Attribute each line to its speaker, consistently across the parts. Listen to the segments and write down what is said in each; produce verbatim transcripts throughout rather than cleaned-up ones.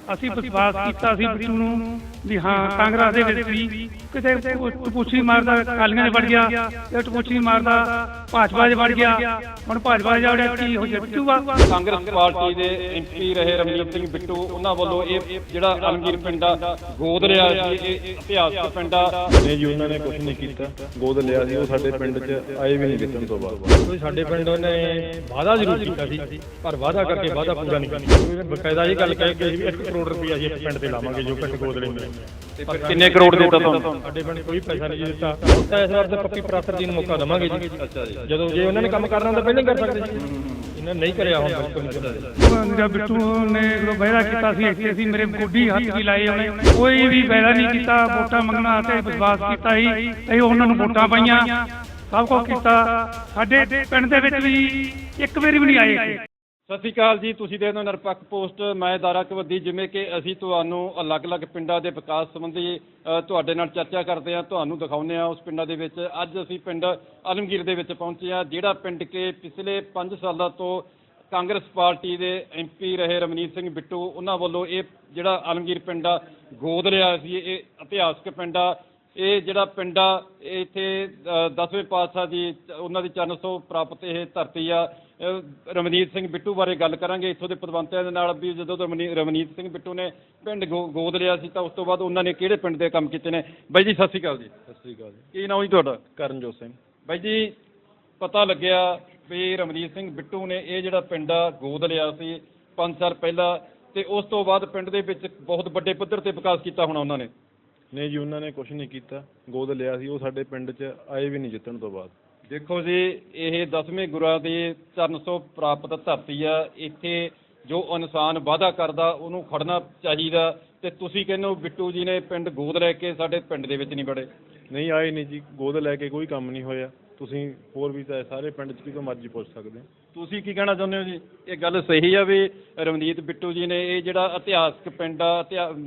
Speaker 1: ਅਸੀਂ ਵਿਸ਼ਵਾਸ ਕੀਤਾ ਸੀ ਬਿੱਟੂ ਨੂੰ ਵੀ ਹਾਂ ਕਾਂਗਰਸ ਦੇ ਵਿੱਚ ਵੀ ਕਿਤੇ ਟਪੂਚੀ ਮਾਰਦਾ ਅਕਾਲੀਆਂ 'ਚ ਵੜ ਗਿਆ ਤੇ ਟਪੂਚੀ ਮਾਰਦਾ ਭਾਜਪਾ 'ਚ ਵੜ ਗਿਆ। ਹੁਣ ਭਾਜਪਾ 'ਚ ਵੜਿਆ ਕੀ ਹੋ ਜਾ ਬਿੱਟੂਗਾ।
Speaker 2: ਕਾਂਗਰਸ ਪਾਰਟੀ ਦੇ ਐਮਪੀ ਰਹੇ ਰਮਨੀਤ ਸਿੰਘ ਬਿੱਟੂ, ਉਹਨਾਂ ਵੱਲੋਂ ਇਹ ਜਿਹੜਾ ਆਲਮਗੀਰ ਪਿੰਡ ਆ ਗੋਦ ਲਿਆ ਸੀ, ਇਹ ਇਤਿਹਾਸਕ ਪਿੰਡ ਆ।
Speaker 3: ਨਹੀਂ ਜੀ, ਉਹਨਾਂ ਨੇ ਕੁਝ ਨਹੀਂ ਕੀਤਾ, ਗੋਦ ਲਿਆ ਸੀ। ਉਹ ਸਾਡੇ ਪਿੰਡ 'ਚ ਆਏ ਵੀ ਨਹੀਂ ਜਿੱਤਣ ਤੋਂ ਬਾਅਦ।
Speaker 4: ਕੋਈ ਸਾਡੇ ਪਿੰਡ ਉਹਨੇ ਵਾਅਦਾ ਜ਼ਰੂਰ ਕੀਤਾ ਸੀ, ਪਰ ਵਾਅਦਾ ਕਰਕੇ ਵਾਅਦਾ ਪੂਰਾ ਨਹੀਂ ਕੀਤਾ। ਬਕਾਇਦਾ ਇਹ ਗੱਲ ਕਹਿ ਕੇ ਵੀ ਇੱਕ ਕਰੋੜ ਰੁਪਇਆ ਜੀ ਇੱਕ ਪਿੰਡ ਤੇ ਲਾਵਾਂਗੇ ਜੋ ਪਿੰਡ ਗੋਦ ਲੈਂਦੇ।
Speaker 2: ਕਿੰਨੇ ਕਰੋੜ ਦਿੱਤਾ ਤੁਹਾਨੂੰ?
Speaker 4: ਸਾਡੇ ਪਿੰਡ ਕੋਈ ਪੈਸਾ ਨਹੀਂ ਦਿੱਤਾ। ਹੁਣ ਤਾਂ ਇਸ ਵਾਰ ਤਾਂ ਪੱਪੀ ਪ੍ਰਾਸਰ ਜੀ ਨੂੰ ਮੌਕਾ ਦੇਵਾਂਗੇ ਜੀ।
Speaker 2: ਅੱਛਾ ਜੀ,
Speaker 4: ਜਦੋਂ ਜੇ ਉਹਨਾਂ ਨੇ ਕੰਮ ਕਰਨਾ ਤਾਂ ਪਹਿਲਾਂ ਹੀ ਕਰ ਸਕਦੇ ਸੀ, ਇਹਨਾਂ ਨੇ ਨਹੀਂ ਕਰਿਆ। ਹੁਣ ਬਿਲਕੁਲ
Speaker 1: ਜਦ ਬਿੱਟੂ ਨੇ ਜਦੋਂ ਵਾਅਦਾ ਕੀਤਾ ਸੀ ਇੱਥੇ ਅਸੀਂ ਮੇਰੇ ਗੋਡੀ ਹੱਥ ਵੀ ਲਾਏ, ਉਹਨੇ ਕੋਈ ਵੀ ਵਾਅਦਾ ਨਹੀਂ ਕੀਤਾ। ਵੋਟਾਂ ਮੰਗਣਾ ਤੇ ਵਿਸ਼ਵਾਸ ਕੀਤਾ ਸੀ, ਅਸੀਂ ਉਹਨਾਂ ਨੂੰ ਵੋਟਾਂ ਪਾਈਆਂ, ਸਭ ਕੁਝ ਕੀਤਾ। ਸਾਡੇ ਪਿੰਡ ਦੇ ਵਿੱਚ ਵੀ ਇੱਕ ਵਾਰੀ ਵੀ ਨਹੀਂ ਆਏ।
Speaker 2: ਸਤਿ ਸ਼੍ਰੀ ਅਕਾਲ ਜੀ, ਤੁਸੀਂ ਦੇਖਦੇ ਹੋ ਨਿਰਪੱਖ ਪੋਸਟ। ਮੈਂ ਦਾਰਾ ਕਵੱਦੀ। ਜਿਵੇਂ ਕਿ ਅਸੀਂ ਤੁਹਾਨੂੰ ਅਲੱਗ-ਅਲੱਗ ਪਿੰਡਾਂ ਦੇ ਵਿਕਾਸ ਸੰਬੰਧੀ ਤੁਹਾਡੇ ਨਾਲ ਚਰਚਾ ਕਰਦੇ ਹਾਂ, ਤੁਹਾਨੂੰ ਦਿਖਾਉਂਦੇ ਹਾਂ ਉਸ ਪਿੰਡਾਂ ਦੇ ਵਿੱਚ। ਅੱਜ ਅਸੀਂ ਪਿੰਡ ਆਲਮਗੀਰ ਦੇ ਵਿੱਚ ਪਹੁੰਚੇ ਹਾਂ, ਜਿਹੜਾ ਪਿੰਡ ਕੇ ਪਿਛਲੇ ਪੰਜ ਸਾਲਾਂ ਤੋਂ ਕਾਂਗਰਸ ਪਾਰਟੀ ਦੇ ਐਮਪੀ ਰਹੇ ਰਮਨੀਤ ਸਿੰਘ ਬਿੱਟੂ, ਉਹਨਾਂ ਵੱਲੋਂ ਇਹ ਜਿਹੜਾ ਆਲਮਗੀਰ ਪਿੰਡ ਆ ਗੋਦ ਲਿਆ ਸੀ। ਇਹ ਇਤਿਹਾਸਕ ਪਿੰਡ ਆ। ਇਹ ਜਿਹੜਾ ਪਿੰਡ ਆ ਇੱਥੇ ਦਸਵੇਂ ਪਾਤਸ਼ਾਹ ਜੀ ਉਹਨਾਂ ਦੀ ਚਰਨ ਛੋਹ ਪ੍ਰਾਪਤ ਇਹ ਧਰਤੀ ਆ। ਰਮਨੀਤ ਸਿੰਘ ਬਿੱਟੂ ਬਾਰੇ ਗੱਲ ਕਰਾਂਗੇ, ਇੱਥੋਂ ਦੇ ਪਤਵੰਤਿਆਂ ਦੇ ਨਾਲ ਵੀ। ਜਦੋਂ ਰਮਨੀਤ ਸਿੰਘ ਬਿੱਟੂ ਨੇ ਪਿੰਡ ਗੋ ਗੋਦ ਲਿਆ ਸੀ ਤਾਂ ਉਸ ਤੋਂ ਬਾਅਦ ਉਹਨਾਂ ਨੇ ਕਿਹੜੇ ਪਿੰਡ ਦੇ ਕੰਮ ਕੀਤੇ ਨੇ? ਬਾਈ ਜੀ ਸਤਿ ਸ਼੍ਰੀ ਅਕਾਲ ਜੀ।
Speaker 3: ਸਤਿ ਸ਼੍ਰੀ ਅਕਾਲ ਜੀ।
Speaker 2: ਕੀ ਨਾਮ ਜੀ ਤੁਹਾਡਾ?
Speaker 3: ਕਰਨਜੋਤ ਸਿੰਘ।
Speaker 2: ਬਾਈ ਜੀ, ਪਤਾ ਲੱਗਿਆ ਵੀ ਰਮਨੀਤ ਸਿੰਘ ਬਿੱਟੂ ਨੇ ਇਹ ਜਿਹੜਾ ਪਿੰਡ ਆ ਗੋਦ ਲਿਆ ਸੀ ਪੰਜ ਸਾਲ ਪਹਿਲਾਂ, ਤੇ ਉਸ ਤੋਂ ਬਾਅਦ ਪਿੰਡ ਦੇ ਵਿੱਚ ਬਹੁਤ ਵੱਡੇ ਪੱਧਰ ਤੇ ਵਿਕਾਸ ਕੀਤਾ ਹੋਣਾ ਉਹਨਾਂ ਨੇ।
Speaker 3: ਨਹੀਂ ਜੀ, ਉਹਨਾਂ ਨੇ ਕੁਝ ਨਹੀਂ ਕੀਤਾ, ਗੋਦ ਲਿਆ ਸੀ। ਉਹ ਸਾਡੇ ਪਿੰਡ 'ਚ ਆਏ ਵੀ ਨਹੀਂ ਜਿੱਤਣ ਤੋਂ ਬਾਅਦ।
Speaker 2: ਦੇਖੋ ਜੀ, ਇਹ ਦਸਵੇਂ ਗੁਰਾਂ ਦੀ ਚਰਨ ਛੋਹ ਪ੍ਰਾਪਤ ਧਰਤੀ ਆ। ਇੱਥੇ ਜੋ ਇਨਸਾਨ ਵਾਅਦਾ ਕਰਦਾ ਉਹਨੂੰ ਖੜਨਾ ਚਾਹੀਦਾ। ਤੇ ਤੁਸੀਂ ਕਹਿੰਦੇ ਹੋ ਬਿੱਟੂ ਜੀ ਨੇ ਪਿੰਡ ਗੋਦ ਲੈ ਕੇ ਸਾਡੇ ਪਿੰਡ ਦੇ ਵਿੱਚ ਨਹੀਂ ਵੜੇ।
Speaker 3: ਨਹੀਂ ਆਏ ਨਹੀਂ ਜੀ, ਗੋਦ ਲੈ ਕੇ ਕੋਈ ਕੰਮ ਨਹੀਂ ਹੋਇਆ। ਤੁਸੀਂ ਹੋਰ ਵੀ ਤਾਂ ਸਾਰੇ ਪਿੰਡ 'ਚ ਕਿਤੋਂ ਮਰਜ਼ੀ ਪੁੱਛ ਸਕਦੇ ਹੋ।
Speaker 2: ਤੁਸੀਂ ਕੀ ਕਹਿਣਾ ਚਾਹੁੰਦੇ ਹੋ ਜੀ? ਇਹ ਗੱਲ ਸਹੀ ਆ ਵੀ ਰਮਨੀਤ ਬਿੱਟੂ ਜੀ ਨੇ ਇਹ ਜਿਹੜਾ ਇਤਿਹਾਸਕ ਪਿੰਡ ਆ,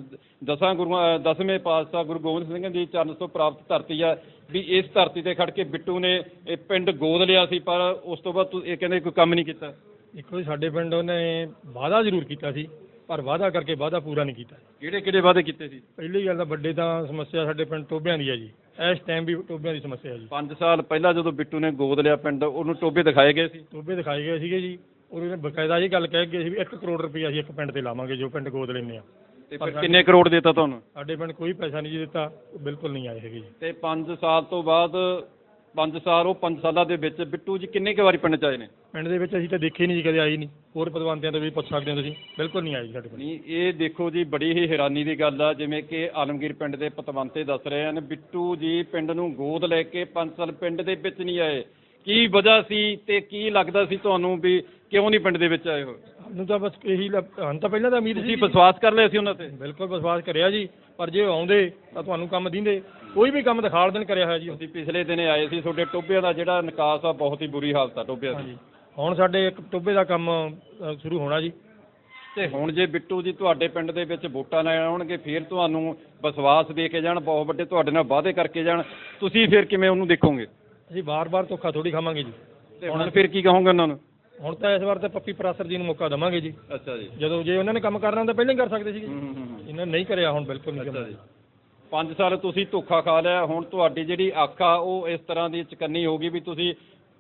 Speaker 2: ਦਸਾਂ ਗੁਰੂਆਂ ਦਸਵੇਂ ਪਾਤਸ਼ਾਹ ਗੁਰੂ ਗੋਬਿੰਦ ਸਿੰਘ ਦੀ ਚਰਨ ਛੋਹ ਪ੍ਰਾਪਤ ਧਰਤੀ ਆ, ਵੀ ਇਸ ਧਰਤੀ ਤੇ ਖੜ ਕੇ ਬਿੱਟੂ ਨੇ ਇਹ ਪਿੰਡ ਗੋਦ ਲਿਆ ਸੀ, ਪਰ ਉਸ ਤੋਂ ਬਾਅਦ ਇਹ ਕਹਿੰਦੇ ਕੋਈ ਕੰਮ ਨਹੀਂ ਕੀਤਾ।
Speaker 4: ਦੇਖੋ ਸਾਡੇ ਪਿੰਡ ਉਹਨੇ ਵਾਅਦਾ ਜ਼ਰੂਰ ਕੀਤਾ ਸੀ, ਪਰ ਵਾਅਦਾ ਕਰਕੇ ਵਾਅਦਾ ਪੂਰਾ ਨਹੀਂ ਕੀਤਾ।
Speaker 2: ਕਿਹੜੇ ਕਿਹੜੇ ਵਾਅਦੇ ਕੀਤੇ ਸੀ?
Speaker 4: ਪਹਿਲੀ ਗੱਲ ਤਾਂ ਵੱਡੇ ਤਾਂ ਸਮੱਸਿਆ ਸਾਡੇ ਪਿੰਡ ਟੋਬਿਆਂ ਦੀ ਹੈ ਜੀ। ਇਸ ਟਾਈਮ ਵੀ ਟੋਬਿਆਂ ਦੀ ਸਮੱਸਿਆ ਜੀ।
Speaker 2: ਪੰਜ ਸਾਲ ਪਹਿਲਾਂ ਜਦੋਂ ਬਿੱਟੂ ਨੇ ਗੋਦ ਲਿਆ ਪਿੰਡ, ਉਹਨੂੰ ਟੋਬੇ ਦਿਖਾਏ ਗਏ ਸੀ।
Speaker 4: ਟੋਬੇ ਦਿਖਾਏ ਗਏ ਸੀਗੇ ਜੀ। ਉਹਨੇ ਬਕਾਇਦਾ ਇਹ ਗੱਲ ਕਹਿ ਗਏ ਸੀ ਵੀ ਇੱਕ ਕਰੋੜ ਰੁਪਇਆ ਅਸੀਂ ਇੱਕ ਪਿੰਡ ਤੇ ਲਾਵਾਂਗੇ ਜੋ ਪਿੰਡ ਗੋਦ ਲੈਂਦੇ ਆ।
Speaker 2: ਤੇ ਫਿਰ ਕਿੰਨੇ ਕਰੋੜ ਦਿੱਤਾ ਤੁਹਾਨੂੰ?
Speaker 4: ਸਾਡੇ ਪਿੰਡ ਕੋਈ ਪੈਸਾ ਨਹੀਂ ਜੀ ਦਿੱਤਾ, ਬਿਲਕੁਲ ਨਹੀਂ ਆਏ ਹੈਗੇ ਜੀ।
Speaker 2: ਤੇ ਪੰਜ ਸਾਲ ਤੋਂ ਬਾਅਦ ਪੰਜ ਸਾਲ ਉਹ ਪੰਜ ਸਾਲਾਂ ਦੇ ਵਿੱਚ ਬਿੱਟੂ ਜੀ ਕਿੰਨੇ ਕੁ ਵਾਰੀ ਪਿੰਡ 'ਚ ਆਏ ਨੇ?
Speaker 4: ਪਿੰਡ ਦੇ ਵਿੱਚ ਅਸੀਂ ਤਾਂ ਦੇਖੇ ਨਹੀਂ ਜੀ, ਕਦੇ ਆਏ ਨਹੀਂ। ਹੋਰ ਪਤਵੰਤਿਆਂ ਤੋਂ ਵੀ ਪੁੱਛ ਸਕਦੇ ਹੋ ਤੁਸੀਂ, ਬਿਲਕੁਲ ਨਹੀਂ ਆਏ ਜੀ ਸਾਡੇ ਪਿੰਡ।
Speaker 2: ਨਹੀਂ, ਇਹ ਦੇਖੋ ਜੀ, ਬੜੀ ਹੀ ਹੈਰਾਨੀ ਦੀ ਗੱਲ ਆ। ਜਿਵੇਂ ਕਿ ਆਲਮਗੀਰ ਪਿੰਡ ਦੇ ਪਤਵੰਤੇ ਦੱਸ ਰਹੇ ਹਨ, ਬਿੱਟੂ ਜੀ ਪਿੰਡ ਨੂੰ ਗੋਦ ਲੈ ਕੇ ਪੰਜ ਸਾਲ ਪਿੰਡ ਦੇ ਵਿੱਚ ਨਹੀਂ ਆਏ। ਕੀ ਵਜ੍ਹਾ ਸੀ ਤੇ ਕੀ ਲੱਗਦਾ ਸੀ ਤੁਹਾਨੂੰ ਵੀ ਕਿਉਂ ਨਹੀਂ ਪਿੰਡ ਦੇ ਵਿੱਚ ਆਏ ਹੋ?
Speaker 4: ਸਾਨੂੰ ਤਾਂ ਬਸ ਇਹੀ ਸਾਨੂੰ ਤਾਂ ਪਹਿਲਾਂ ਤਾਂ ਉਮੀਦ ਸੀ।
Speaker 2: ਤੁਸੀਂ ਵਿਸ਼ਵਾਸ ਕਰ ਲਿਆ ਸੀ ਉਹਨਾਂ ਤੇ?
Speaker 4: ਬਿਲਕੁਲ ਵਿਸ਼ਵਾਸ ਕਰਿਆ ਜੀ, ਪਰ ਜੇ ਆਉਂਦੇ ਤਾਂ ਤੁਹਾਨੂੰ ਕੰਮ ਦਿੰਦੇ। ਕੋਈ ਵੀ ਕੰਮ ਦਿਖਾੜ ਦੇਣ ਕਰਿਆ ਹੋਇਆ ਜੀ।
Speaker 2: ਅਸੀਂ ਪਿਛਲੇ ਦਿਨੇ ਆਏ ਸੀ, ਤੁਹਾਡੇ ਟੋਬਿਆਂ ਦਾ ਜਿਹੜਾ ਨਿਕਾਸ ਆ ਬਹੁਤ ਹੀ ਬੁਰੀ ਹਾਲਤ ਆ ਟੋਬਿਆਂ ਦੀ।
Speaker 4: ਹੁਣ ਸਾਡੇ ਇੱਕ ਟੋਬੇ ਦਾ ਕੰਮ ਸ਼ੁਰੂ ਹੋਣਾ ਜੀ।
Speaker 2: ਤੇ ਹੁਣ ਜੇ ਬਿੱਟੂ ਜੀ ਤੁਹਾਡੇ ਪਿੰਡ ਦੇ ਵਿੱਚ ਵੋਟਾਂ ਲੈਣ ਆਉਣਗੇ, ਫਿਰ ਤੁਹਾਨੂੰ ਵਿਸ਼ਵਾਸ ਦੇ ਕੇ ਜਾਣ, ਬਹੁਤ ਵੱਡੇ ਤੁਹਾਡੇ ਨਾਲ ਵਾਅਦੇ ਕਰਕੇ ਜਾਣ, ਤੁਸੀਂ ਫਿਰ ਕਿਵੇਂ ਉਹਨੂੰ ਦੇਖੋਗੇ?
Speaker 4: ਅਸੀਂ ਵਾਰ-ਵਾਰ ਧੋਖਾ ਥੋੜੀ ਖਾਵਾਂਗੇ ਜੀ।
Speaker 2: ਤੇ ਹੁਣ ਫਿਰ ਕੀ ਕਹੋਗੇ ਉਹਨਾਂ ਨੂੰ?
Speaker 4: ਹੁਣ ਤਾਂ ਇਸ ਵਾਰ ਤਾਂ ਪੱਪੀ ਪ੍ਰਾਸਰ ਜੀ ਨੂੰ ਮੌਕਾ ਦੇਵਾਂਗੇ ਜੀ।
Speaker 2: ਅੱਛਾ ਜੀ,
Speaker 4: ਜਦੋਂ ਜੇ ਉਹਨਾਂ ਨੇ ਕੰਮ ਕਰਨਾ ਤਾਂ ਪਹਿਲਾਂ ਹੀ ਕਰ ਸਕਦੇ ਸੀਗੇ। ਇਹਨਾਂ ਨੇ ਨਹੀਂ ਕਰਿਆ, ਹੁਣ ਬਿਲਕੁਲ ਨਹੀਂ ਕਰਨਾ।
Speaker 2: ਪੰਜ ਸਾਲ ਤੁਸੀਂ ਧੋਖਾ ਖਾ ਲਿਆ। ਹੁਣ ਤੁਹਾਡੀ ਜਿਹੜੀ ਅੱਖ ਆ ਉਹ ਇਸ ਤਰ੍ਹਾਂ ਦੀ ਚਕੰਨੀ ਹੋ ਗਈ ਵੀ ਤੁਸੀਂ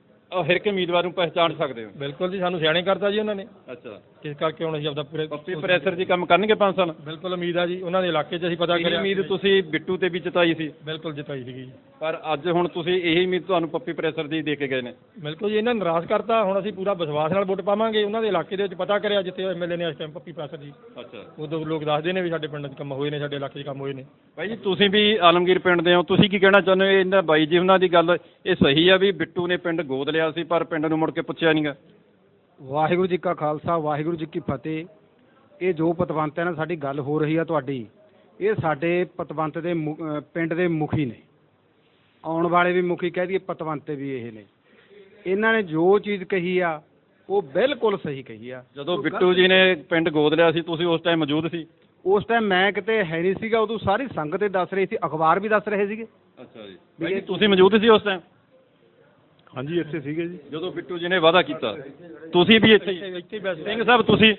Speaker 2: ਹਰ ਇੱਕ ਉਮੀਦਵਾਰ ਨੂੰ ਪਹਿਚਾਣ ਸਕਦੇ ਹੋ।
Speaker 4: ਬਿਲਕੁਲ ਜੀ, ਸਾਨੂੰ ਸਿਆਣੇ ਕਰਤਾ ਜੀ ਉਹਨਾਂ ਨੇ।
Speaker 2: ਅੱਛਾ,
Speaker 4: ਇਸ ਕਰਕੇ ਹੁਣ ਅਸੀਂ ਆਪਦਾ ਪੂਰੇ
Speaker 2: ਪੱਪੀ ਪ੍ਰੈਸ਼ਰ ਜੀ ਕੰਮ ਕਰਨਗੇ ਪੰਜ ਸਾਲ?
Speaker 4: ਬਿਲਕੁਲ ਉਮੀਦ ਆ ਜੀ। ਉਹਨਾਂ ਦੇ ਇਲਾਕੇ 'ਚ ਅਸੀਂ ਪਤਾ ਕਰਿਆ।
Speaker 2: ਉਮੀਦ ਤੁਸੀਂ ਬਿੱਟੂ ਤੇ ਵੀ ਜਤਾਈ ਸੀ?
Speaker 4: ਬਿਲਕੁਲ ਜਿਤਾਈ ਸੀਗੀ ਜੀ।
Speaker 2: ਪਰ ਅੱਜ ਹੁਣ ਤੁਸੀਂ ਇਹੀ ਉਮੀਦ ਤੁਹਾਨੂੰ ਪੱਪੀ ਪ੍ਰੈਸ਼ਰ ਜੀ ਦੇ ਕੇ ਗਏ ਨੇ?
Speaker 4: ਬਿਲਕੁਲ ਜੀ, ਇਹਨਾਂ ਨੇ ਨਿਰਾਸ਼ ਕਰਤਾ। ਹੁਣ ਅਸੀਂ ਪੂਰਾ ਵਿਸ਼ਵਾਸ ਨਾਲ ਵੋਟ ਪਾਵਾਂਗੇ। ਉਹਨਾਂ ਦੇ ਇਲਾਕੇ ਦੇ ਵਿੱਚ ਪਤਾ ਕਰਿਆ ਜਿੱਥੇ ਐਮ ਐਲ ਏ ਨੇ ਇਸ ਟਾਈਮ ਪੱਪੀ ਪ੍ਰੈਸ਼ਰ ਜੀ।
Speaker 2: ਅੱਛਾ,
Speaker 4: ਉਦੋਂ ਲੋਕ ਦੱਸਦੇ ਨੇ ਵੀ ਸਾਡੇ ਪਿੰਡ 'ਚ ਕੰਮ ਹੋਏ ਨੇ, ਸਾਡੇ ਇਲਾਕੇ 'ਚ ਕੰਮ ਹੋਏ ਨੇ।
Speaker 2: ਭਾਈ ਜੀ, ਤੁਸੀਂ ਵੀ ਆਲਮਗੀਰ ਪਿੰਡ ਦੇ ਹੋ, ਤੁਸੀਂ ਕੀ ਕਹਿਣਾ ਚਾਹੁੰਦੇ ਹੋ? ਇਹਨਾਂ ਬਾਈ ਜੀ ਉਹਨਾਂ ਦੀ ਗੱਲ ਇਹ ਸਹੀ ਆ ਵੀ ਬਿੱਟੂ ਨੇ ਪਿੰਡ ਗੋਦ ਲਿਆ ਸੀ ਪਰ ਪਿੰਡ ਨੂੰ ਮੁੜ ਕੇ ਪੁੱਛਿਆ ਨਹੀਂਗਾ?
Speaker 5: ਵਾਹਿਗੁਰੂ ਜੀ ਕਾ ਖਾਲਸਾ, ਵਾਹਿਗੁਰੂ ਜੀ ਕੀ ਫਤਿਹ। ਇਹ ਜੋ ਪਤਵੰਤਿਆਂ ਨਾਲ ਸਾਡੀ ਗੱਲ ਹੋ ਰਹੀ ਆ ਤੁਹਾਡੀ, ਇਹ ਸਾਡੇ ਪਤਵੰਤ ਦੇ ਪਿੰਡ ਦੇ ਮੁਖੀ ਨੇ। ਆਉਣ ਵਾਲੇ ਵੀ ਮੁਖੀ ਕਹਿ ਦਈਏ, ਪਤਵੰਤੇ ਵੀ ਇਹ ਨੇ। ਇਹਨਾਂ ਨੇ ਜੋ ਚੀਜ਼ ਕਹੀ ਆ ਉਹ ਬਿਲਕੁਲ ਸਹੀ ਕਹੀ ਆ।
Speaker 2: ਜਦੋਂ ਬਿੱਟੂ ਜੀ ਨੇ ਪਿੰਡ ਗੋਦ ਲਿਆ ਸੀ ਤੁਸੀਂ ਉਸ ਟਾਈਮ ਮੌਜੂਦ ਸੀ?
Speaker 5: ਉਸ ਟਾਈਮ ਮੈਂ ਕਿਤੇ ਹੈ ਨਹੀਂ ਸੀਗਾ, ਉਦੋਂ ਸਾਰੀ ਸੰਗਤ ਇਹ ਦੱਸ ਰਹੀ ਸੀ, ਅਖਬਾਰ ਵੀ ਦੱਸ ਰਹੇ ਸੀਗੇ।
Speaker 2: ਅੱਛਾ ਜੀ, ਭਾਈ ਜੀ ਤੁਸੀਂ ਮੌਜੂਦ ਸੀ ਉਸ ਟਾਈਮ?
Speaker 3: ਹਾਂਜੀ, ਇੱਥੇ ਸੀਗੇ ਜੀ
Speaker 2: ਜਦੋਂ ਬਿੱਟੂ ਜੀ ਨੇ ਵਾਅਦਾ ਕੀਤਾ। ਤੁਸੀਂ ਵੀ ਇੱਥੇ ਹੀ?
Speaker 4: ਇੱਥੇ ਬੈਠੇ
Speaker 2: ਸਿੰਘ ਸਾਹਿਬ ਤੁਸੀਂ?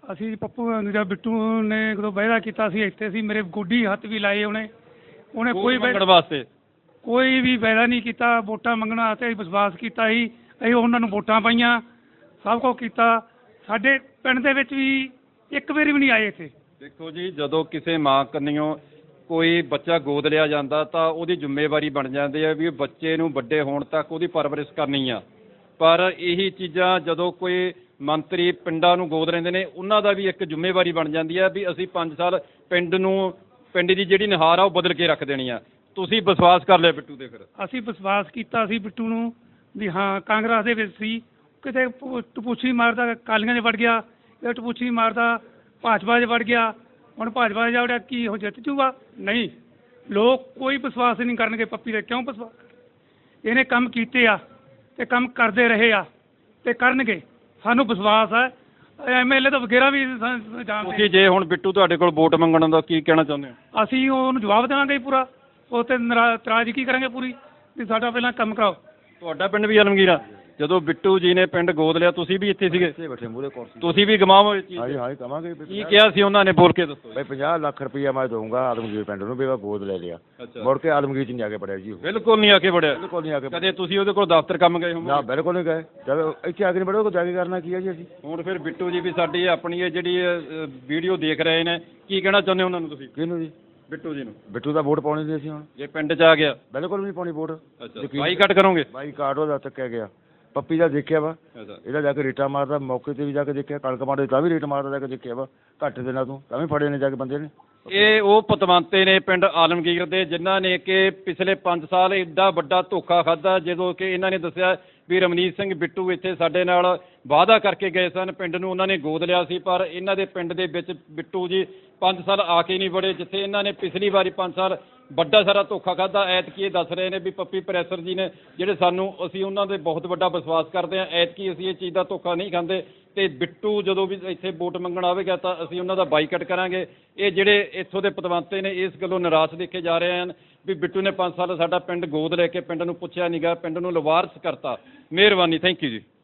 Speaker 1: ਅਸੀਂ ਪੱਪੂ ਜਾਂ ਬਿੱਟੂ ਨੇ ਜਦੋਂ ਵਾਅਦਾ ਕੀਤਾ ਸੀ ਇੱਥੇ ਸੀ, ਮੇਰੇ ਗੋਡੀ ਹੱਥ ਵੀ ਲਾਏ ਉਹਨੇ ਉਹਨੇ ਕੋਈ
Speaker 2: ਵੋਟ
Speaker 1: ਵਾਅ-
Speaker 2: ਮੰਗਣ ਵਾਸਤੇ
Speaker 1: ਕੋਈ ਵੀ ਵਾਅਦਾ ਨਹੀਂ ਕੀਤਾ। ਵੋਟਾਂ ਮੰਗਣ ਵਾਸਤੇ ਵਿਸ਼ਵਾਸ ਕੀਤਾ ਸੀ, ਅਸੀਂ ਉਹਨਾਂ ਨੂੰ ਵੋਟਾਂ ਪਾਈਆਂ, ਸਭ ਕੁਝ ਕੀਤਾ। ਸਾਡੇ ਪਿੰਡ ਦੇ ਵਿੱਚ ਵੀ ਇੱਕ ਵਾਰੀ ਵੀ ਨਹੀਂ ਆਏ ਇੱਥੇ।
Speaker 2: ਦੇਖੋ ਜੀ, ਜਦੋਂ ਕਿਸੇ ਮਾਂ ਕੰਨਿਓ ਕੋਈ ਬੱਚਾ ਗੋਦ ਲਿਆ ਜਾਂਦਾ ਤਾਂ ਉਹਦੀ ਜ਼ਿੰਮੇਵਾਰੀ ਬਣ ਜਾਂਦੀ ਹੈ ਵੀ ਉਹ ਬੱਚੇ ਨੂੰ ਵੱਡੇ ਹੋਣ ਤੱਕ ਉਹਦੀ ਪਰਵਰਿਸ਼ ਕਰਨੀ ਆ। ਪਰ ਇਹੀ ਚੀਜ਼ਾਂ ਜਦੋਂ ਕੋਈ ਮੰਤਰੀ ਪਿੰਡਾਂ ਨੂੰ ਗੋਦ ਲੈਂਦੇ ਨੇ, ਉਹਨਾਂ ਦਾ ਵੀ ਇੱਕ ਜ਼ਿੰਮੇਵਾਰੀ ਬਣ ਜਾਂਦੀ ਹੈ ਵੀ ਅਸੀਂ ਪੰਜ ਸਾਲ ਪਿੰਡ ਨੂੰ, ਪਿੰਡ ਦੀ ਜਿਹੜੀ ਨੁਹਾਰ ਆ ਉਹ ਬਦਲ ਕੇ ਰੱਖ ਦੇਣੀ ਆ। ਤੁਸੀਂ ਵਿਸ਼ਵਾਸ ਕਰ ਲਿਆ ਬਿੱਟੂ ਤੇ? ਫਿਰ
Speaker 1: ਅਸੀਂ ਵਿਸ਼ਵਾਸ ਕੀਤਾ ਸੀ ਬਿੱਟੂ ਨੂੰ ਵੀ ਹਾਂ ਕਾਂਗਰਸ ਦੇ ਵਿੱਚ ਸੀ, ਕਿਤੇ ਪ- ਟਪੂਚੀ ਮਾਰਦਾ ਕਾਲੀਆਂ 'ਚ ਵੜ ਗਿਆ, ਇਹ ਟਪੂਚੀ ਮਾਰਦਾ ਭਾਜਪਾ 'ਚ ਵੜ ਗਿਆ। ਹੁਣ ਭਾਜਪਾ 'ਚ ਜਾ ਕੀ ਉਹ ਜਿੱਤ ਜੂਗਾ? ਨਹੀਂ, ਲੋਕ ਕੋਈ ਵਿਸ਼ਵਾਸ ਨਹੀਂ ਕਰਨਗੇ ਪੱਪੀ ਦੇ। ਕਿਉਂ ਵਿਸ਼ਵਾਸ? ਇਹਨੇ ਕੰਮ ਕੀਤੇ ਆ ਤੇ ਕੰਮ ਕਰਦੇ ਰਹੇ ਆ ਤੇ ਕਰਨਗੇ, ਸਾਨੂੰ ਵਿਸ਼ਵਾਸ ਹੈ। ਐਮ ਐਲ ਏ ਤੋਂ ਵਗੈਰਾ ਵੀ ਸ- ਜਾਣਦੇ
Speaker 2: ਤੁਸੀਂ ਜੇ ਹੁਣ ਬਿੱਟੂ ਤੁਹਾਡੇ ਕੋਲ ਵੋਟ ਮੰਗਣ ਦਾ ਕੀ ਕਹਿਣਾ ਚਾਹੁੰਦੇ ਹੋ?
Speaker 1: ਅਸੀਂ ਉਹਨੂੰ ਜਵਾਬ ਦੇਵਾਂਗੇ ਜੀ ਪੂਰਾ, ਉਹ ਤੇ ਨਾਰਾਜ਼ਗੀ ਕਰਾਂਗੇ ਪੂਰੀ ਵੀ ਸਾਡਾ ਪਹਿਲਾਂ ਕੰਮ ਕਰਾਓ।
Speaker 2: ਤੁਹਾਡਾ ਪਿੰਡ ਵੀ ਆਲਮਗੀਰ ਆ? ਜਦੋਂ ਬਿੱਟੂ ਜੀ ਨੇ ਪਿੰਡ ਗੋਦ ਲਿਆ ਤੁਸੀਂ ਵੀ ਇੱਥੇ ਸੀਗੇ?
Speaker 6: ਇੱਥੇ ਬੈਠੇ ਮੂਹਰੇ ਕੁਰਸੀ।
Speaker 2: ਤੁਸੀਂ ਵੀ ਗਵਾਹ ਇਸ ਚੀਜ਼
Speaker 6: ਹਾਂਜੀ
Speaker 2: ਦੇ?
Speaker 6: ਹਾਂਜੀ ਕਵਾਂਗੇ
Speaker 2: ਕੀ ਕਿਹਾ ਸੀ ਉਹਨਾਂ ਨੇ? ਬੋਲ ਕੇ ਦੱਸੋ।
Speaker 6: ਬਈ ਪੰਜਾਹ ਲੱਖ ਰੁਪਈਆ ਮੈਂ ਦਊਂਗਾ ਆਲਮਗੀਰ ਪਿੰਡ ਨੂੰ, ਵੀ ਮੈਂ ਗੋਦ ਲੈ ਲਿਆ।
Speaker 2: ਅੱਛਾ,
Speaker 6: ਮੁੜ ਕੇ ਆਲਮਗੀਰ ਚ ਨਹੀਂ ਆ ਕੇ ਪੜਿਆ ਜੀ ਉਹ।
Speaker 2: ਬਿਲਕੁਲ ਨਹੀਂ ਆ ਕੇ ਵੜਿਆ?
Speaker 6: ਬਿਲਕੁਲ ਨਹੀਂ ਆ ਕੇ
Speaker 2: ਕਦੇ ਤੁਸੀਂ ਉਹਦੇ ਕੋਲ ਦਫ਼ਤਰ ਕੰਮ ਗਏ
Speaker 6: ਨਾ,
Speaker 2: ਹੋਵੋਗੇ?
Speaker 6: ਬਿਲਕੁਲ ਨਹੀਂ ਗਏ। ਜਦ ਇੱਥੇ ਆ ਕੇ ਨਹੀਂ ਪੜਿਆ ਉਹ ਜਾ ਕੇ ਕਰਨਾ ਕੀ ਹੈ ਜੀ ਅਸੀਂ।
Speaker 2: ਹੁਣ ਫਿਰ ਬਿੱਟੂ ਜੀ ਵੀ ਸਾਡੀ ਆਪਣੀ ਇਹ ਜਿਹੜੀ ਅ, ਵੀਡੀਓ ਦੇਖ ਰਹੇ ਨੇ, ਕੀ ਕਹਿਣਾ ਚਾਹੁੰਦੇ ਹੋ ਉਹਨਾਂ ਨੂੰ ਤੁਸੀਂ?
Speaker 6: ਕਿਹਨੂੰ ਜੀ?
Speaker 2: ਬਿੱਟੂ ਜੀ ਨੂੰ?
Speaker 6: ਬਿੱਟੂ ਦਾ ਵੋਟ ਪਾਉਣੀ ਸੀ ਅਸੀਂ ਹੁਣ।
Speaker 2: ਜੇ ਪਿੰਡ 'ਚ ਆ ਗਿਆ?
Speaker 6: ਬਿਲਕੁਲ ਵੀ ਨਹੀਂ ਪਾਉਣੀ ਵੋਟ।
Speaker 2: ਅੱਛਾ, ਬਾਈਕਾਟ ਕਰੋਗੇ?
Speaker 6: ਬਾਈ ਕਾਰਡ ਉਹਦਾ ਚੱਕਿਆ ਗਿਆ। ਪੱਪੀ ਦਾ ਦੇਖਿਆ ਵਾ,
Speaker 2: ਅੱਛਾ,
Speaker 6: ਇਹਦਾ ਜਾ ਕੇ ਰੇਟਾ ਮਾਰਦਾ, ਮੌਕੇ ਤੇ ਵੀ ਜਾ ਕੇ ਦੇਖਿਆ। ਕਣਕ ਮਾਰਦੇ ਤਾਂ ਵੀ ਰੇਟ ਮਾਰਦਾ, ਜਾ ਕੇ ਦੇਖਿਆ ਵਾ। ਘੱਟ ਦਿਨਾਂ ਤੋਂ ਤਾਂ ਵੀ ਫੜੇ ਨੇ ਜਾ ਕੇ ਬੰਦੇ ਨੇ।
Speaker 2: ਇਹ ਉਹ ਪਤਵੰਤੇ ਨੇ ਪਿੰਡ ਆਲਮਗੀਰ ਦੇ ਜਿਨ੍ਹਾਂ ਨੇ ਕਿ ਪਿਛਲੇ ਪੰਜ ਸਾਲ ਐਡਾ ਵੱਡਾ ਧੋਖਾ ਖਾਧਾ, ਜਦੋਂ ਕਿ ਇਹਨਾਂ ਨੇ ਦੱਸਿਆ ਵੀ ਰਮਨੀਤ ਸਿੰਘ ਬਿੱਟੂ ਇੱਥੇ ਸਾਡੇ ਨਾਲ ਵਾਅਦਾ ਕਰਕੇ ਗਏ ਸਨ, ਪਿੰਡ ਨੂੰ ਉਹਨਾਂ ਨੇ ਗੋਦ ਲਿਆ ਸੀ, ਪਰ ਇਹਨਾਂ ਦੇ ਪਿੰਡ ਦੇ ਵਿੱਚ ਬਿੱਟੂ ਜੀ ਪੰਜ ਸਾਲ ਆ ਕੇ ਨਹੀਂ ਵੜੇ, ਜਿੱਥੇ ਇਹਨਾਂ ਨੇ ਪਿਛਲੀ ਵਾਰੀ ਪੰਜ ਸਾਲ ਵੱਡਾ ਸਾਰਾ ਧੋਖਾ ਖਾਧਾ। ਐਤਕੀ ਇਹ ਦੱਸ ਰਹੇ ਨੇ ਵੀ ਪੱਪੀ ਪ੍ਰੈਸਰ ਜੀ ਨੇ ਜਿਹੜੇ ਸਾਨੂੰ, ਅਸੀਂ ਉਹਨਾਂ ਦੇ ਬਹੁਤ ਵੱਡਾ ਵਿਸ਼ਵਾਸ ਕਰਦੇ ਹਾਂ, ਐਤਕੀ ਅਸੀਂ ਇਹ ਚੀਜ਼ ਦਾ ਧੋਖਾ ਨਹੀਂ ਖਾਂਦੇ ਤੇ ਬਿੱਟੂ ਜਦੋਂ ਵੀ ਇੱਥੇ ਵੋਟ ਮੰਗਣ ਆਵੇਗਾ ਤਾਂ ਅਸੀਂ ਉਹਨਾਂ ਦਾ ਬਾਈਕਾਟ ਕਰਾਂਗੇ। ਇਹ ਜਿਹੜੇ ਇੱਥੋਂ ਦੇ ਪਤਵੰਤੇ ਨੇ ਇਸ ਗੱਲੋਂ ਨਿਰਾਸ਼ ਦੇਖੇ ਜਾ ਰਹੇ ਹਨ ਵੀ ਬਿੱਟੂ ਨੇ ਪੰਜ ਸਾਲ ਸਾਡਾ ਪਿੰਡ ਗੋਦ ਲੈ ਕੇ ਪਿੰਡ ਨੂੰ ਪੁੱਛਿਆ ਨਹੀਂ ਗਾ, ਪਿੰਡ ਨੂੰ ਲਵਾਰਸ ਕਰਤਾ। ਮਿਹਰਬਾਨੀ, ਥੈਂਕ ਯੂ ਜੀ।